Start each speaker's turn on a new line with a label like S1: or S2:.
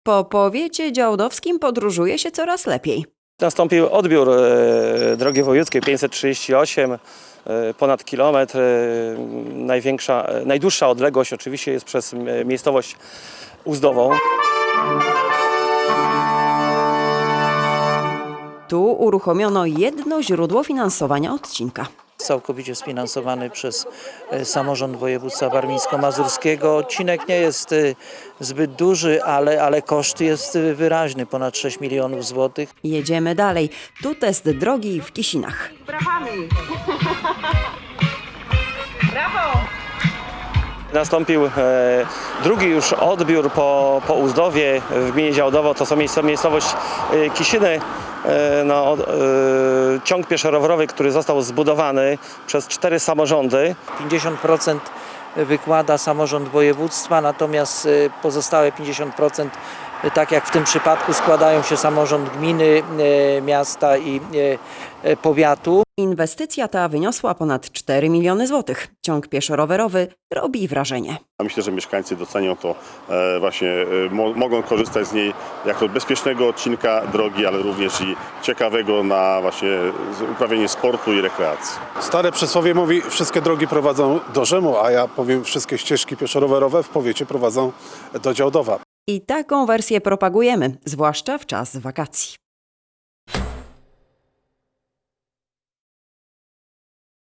S1: Po powiecie działdowskim podróżuje się coraz lepiej.
S2: Nastąpił odbiór drogi wojewódzkiej 538, ponad kilometr. Najdłuższa odległość oczywiście jest przez miejscowość Uzdową.
S1: Tu uruchomiono jedno źródło finansowania odcinka.
S3: Całkowicie sfinansowany przez samorząd województwa warmińsko-mazurskiego. Odcinek nie jest zbyt duży, ale koszt jest wyraźny, ponad 6 milionów złotych.
S1: Jedziemy dalej. Tu test drogi w Kisinach.
S4: Brawami! Brawo!
S2: Nastąpił drugi już odbiór po Uzdowie w gminie Działdowo. To są miejscowość Kisiny. Ciąg pieszo-rowerowy, który został zbudowany przez 4 samorządy.
S3: 50% wykłada samorząd województwa, natomiast pozostałe 50%, tak jak w tym przypadku, składają się samorząd gminy, miasta i powiatu.
S1: Inwestycja ta wyniosła ponad 4 miliony złotych. Ciąg pieszo-rowerowy robi wrażenie.
S5: Myślę, że mieszkańcy docenią to, mogą korzystać z niej jako bezpiecznego odcinka drogi, ale również i ciekawego na właśnie uprawianie sportu i rekreacji.
S6: Stare przysłowie mówi, wszystkie drogi prowadzą do Rzymu, a ja powiem, wszystkie ścieżki pieszo-rowerowe w powiecie prowadzą do Działdowa.
S1: I taką wersję propagujemy, zwłaszcza w czas wakacji.